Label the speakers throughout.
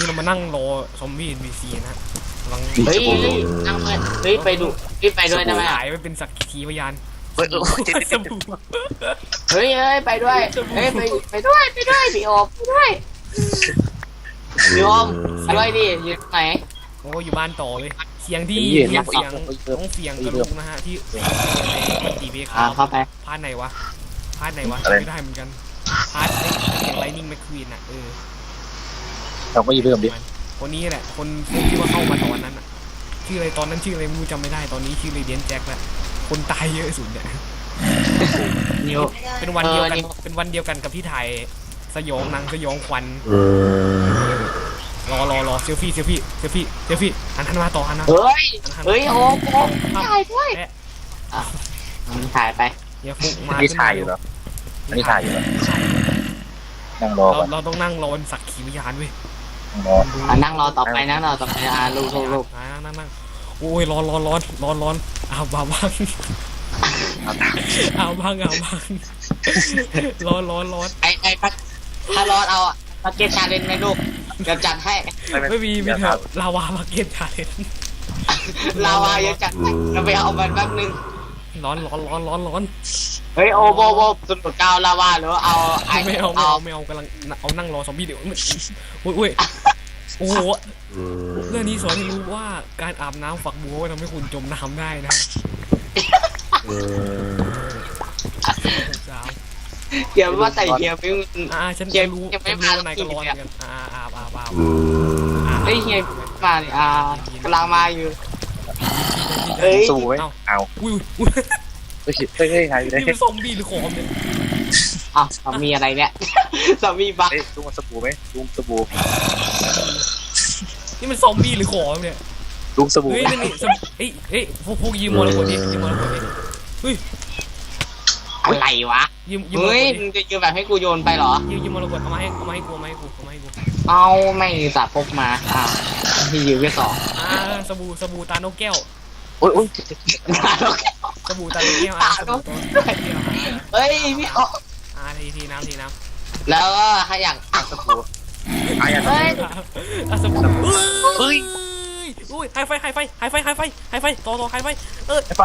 Speaker 1: เรามานั่งรอซอมบี้ NPC นะกำลัง
Speaker 2: เฮ้ยนั่งเลยเฮ้ยไปดูพี่ไปด้วยได้ไหม
Speaker 1: หายไปเป็นสักขีพยาน สบู่
Speaker 2: เฮ้ยไปด้วยเฮ้ยไปด้วยพี่โอมไปด้วยพี่โอมไปด้วยดิอยู่ไหน
Speaker 1: โอ้อยู่บ้านต่อเลยเสียงที่เสียงต้องเสียงกระลุกนะฮะที่ในตีเบค
Speaker 2: เข้าไป
Speaker 1: พาร์ทไหนวะไม่ได้เหมือนกันพาร์ทอย่างไลนิ่งแมคควีนอ่ะ
Speaker 3: เราก็ยืมเริ่มดิ
Speaker 1: คนนี้แหละคนที่ว่าเข้ามาตอนนั้นอ่ะชื่ออะไรตอนนั้นชื่ออะไรไม่รู้จำไม่ได้ตอนนี้ชื่อเรเดียนแจ็คแหละคนตายเยอะสุดเนี่ย
Speaker 2: นิว
Speaker 1: เป็นวันเดียวกันกับที่ถ่ายสยองหนังสยองขวัญรอเซลฟี่หันมาต่อหันมา
Speaker 2: เฮ้ยโอมถ่ายด้วยถ่ายไป
Speaker 1: อย่าฟุกมา
Speaker 3: นี่ถ่ายอยู่เหรออันนี้ถ่ายอยู่เหรอนั่งรอก่อน
Speaker 1: เราต้องนั่งรอสักขีพยานเว้ย
Speaker 2: นั่งรอต่อไปลูก
Speaker 1: นั่งโอ้ยร้อนเอาบ้างร้อน
Speaker 2: ไอ้ถ้าร้อนเอามาเก็ตชาเลนจ์ไหมลูกเดี๋ยวจัดให้
Speaker 1: ไม่มีเถอะลาวามาเก็ตชาเลนจ์
Speaker 2: ลาวายังจัดเราไปเอามันแป๊บนึง
Speaker 1: ร้อน
Speaker 2: เฮ้ยโอโบสุดกาวลาวาหรือเอา
Speaker 1: ไม่เอากำลังเอานั่งรอซอมบี้เดี๋ยวอุ้ยโอ้โหเรื่องนี้สอนให้รู้ว่าการอาบน้ำฝักบัวทำให้คุณจมน้ำได้นะ
Speaker 2: เดี๋ยวว่าใส่เฮียไม่
Speaker 1: ฉันรู้ว่านายก็ร้อนกันอาบ
Speaker 2: เฮ้ยเฮียมาเนี่ยกำลังมาอยู่เฮ้ย
Speaker 3: สู้ไหมเอา
Speaker 1: อุ้ย
Speaker 3: เฮ้ยถ่ายอยู่ได้
Speaker 1: นี่มันซอมบี้หรือขอมเนี่ย
Speaker 2: มีอะไรเนี่ยสามีบัก
Speaker 3: ลุงสบู่ไหมลุงสบู่
Speaker 1: นี่มันซอมบี้หรือขอมเนี่ย
Speaker 3: ลุงสบู่
Speaker 1: เฮ้ยนี่พวกยืมมรกตดิเฮ้ย
Speaker 2: อะไรวะ
Speaker 1: ยืม
Speaker 2: เฮ้ยมึงจะยืมแบบให้กูโยนไปเหรอ
Speaker 1: ยืมมรกตเอามาให้กู
Speaker 2: เอาไม่ตัดพกมาที่ยืมแค่
Speaker 1: สบู่ตานกแก้ว
Speaker 3: โอ้ย
Speaker 1: สบู่ตานกแก้ว
Speaker 2: เฮ้ยพี่
Speaker 1: ทีน้ำ
Speaker 2: แล้วก็ถ้าอยาก
Speaker 3: สบู่เฮ้ย
Speaker 1: สบู่เฮ้ยอุ้ยไฮไฟต่อไฮไฟ
Speaker 3: ไป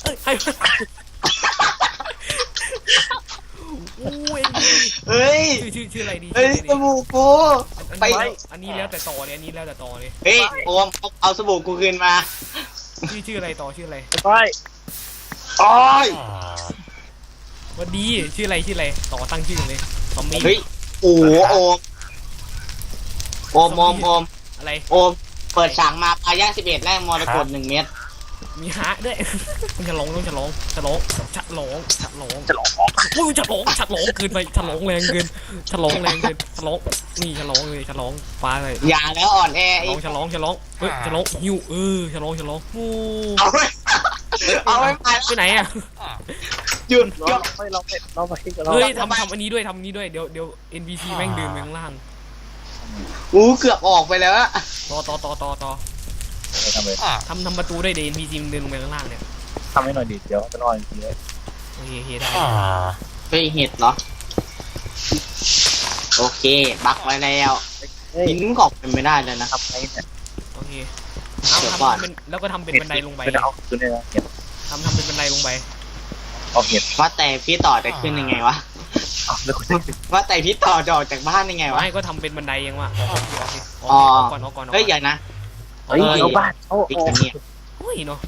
Speaker 1: เฮ้ยชื่ออะไรดี
Speaker 2: เฮ้ยสบู่กู
Speaker 1: ไปอันนี้แล้วแต่ต่อเลย
Speaker 2: เฮ้ยโอมเอาสบู่กูคืนมา
Speaker 1: ชื่ออะไรต่อชื่ออะไร
Speaker 3: ไปโอ้ย
Speaker 1: วันดีชื่ออะไรต่อตั้งชื่อเลยซอมบี้
Speaker 2: เฮ้ยโอ้โอม
Speaker 1: อะไร
Speaker 2: โอมเปิดฉากมาปลาย่าง11แรกมรกต1 เม็ด
Speaker 1: มีฮะด้วยมันจะร้องอุ้ยจะร้องเกินไปจะร้องแรงเกินนี่จะร้องเลยจะร้องปลาเลย
Speaker 2: อย่าแล้วอ่อนแอ
Speaker 1: จะร้องเฮ้ยจะร้องหิวจะร้องโอ้
Speaker 2: เอาไม่
Speaker 1: ไปไหนอ่ะ
Speaker 2: หยุด
Speaker 1: เฮ้ยทำอันนี้ด้วยเดี๋ยว NPC แม่งเดินไปข้างล่าง
Speaker 2: เกือบออกไปแล้ว
Speaker 1: ต่อทำประตูได้เดี๋ยว NPC เดินลงไปข้างล่างเนี่ย
Speaker 3: ทำให้หน่อยดิเดี๋ยวจะรออีกทีเลย
Speaker 1: โอเคได้
Speaker 2: ไปเห็ดเหรอโอเคบักไว้แล้วหินกอกเป็นไม่ได้เลยนะครับ
Speaker 1: โอเคแล้วก็ทำเป็นบันไดลงไปทำเป็นบันไดลงไป
Speaker 2: ว่าแต่พี่ต่อจะขึ้นยังไงวะว่าแต่พี่ต่อจะออกจากบ้านยังไงวะ
Speaker 1: ไม่ก็ทำเป็นบันไดยังวะก่อน
Speaker 2: เฮ้ยอย่างนะ
Speaker 3: เอาบ้าน
Speaker 2: อีกเนี่ย
Speaker 1: โอ้ยเนาะ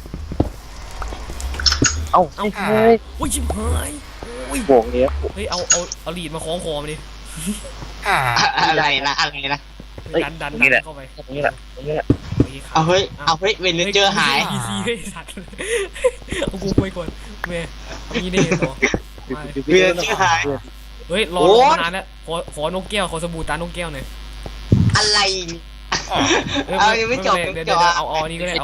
Speaker 3: โอ้
Speaker 1: ยชิบหาย
Speaker 3: โบกเนี้ย
Speaker 1: เฮ้ยเอาลีดมาคล้องคอมาดิ
Speaker 2: อะไรนะ
Speaker 1: ดันเข้าไป
Speaker 3: ตรงนี้แหละ
Speaker 2: เอาเฮ้ยเวลเจอหาย
Speaker 1: เฮ้ยสัตว์เอากูไปก่อนแม่มีได้ต่อ
Speaker 2: เวลเจอหาย
Speaker 1: เฮ้ยรอมานานแล้วขอนกแก้วขอสบู่ตานกแก้วหน่อย
Speaker 2: อะไรเอายังไม่จบ
Speaker 1: เดี๋ยวเอานี้ก็ได้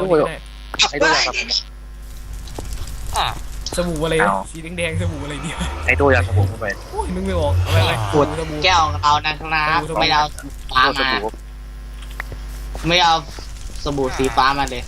Speaker 1: สบู่อะไรสีแดงสบู่อะไรเนี่ย
Speaker 3: ไอ้ตัวอยากสบู่เข้าไป
Speaker 1: โอ้ยนึกไม่ออกอะไร
Speaker 2: ขวดแก้วเอานะครับไม่เอาฟ้ามาไม่เอาสบู่สีฟ้ามาเลย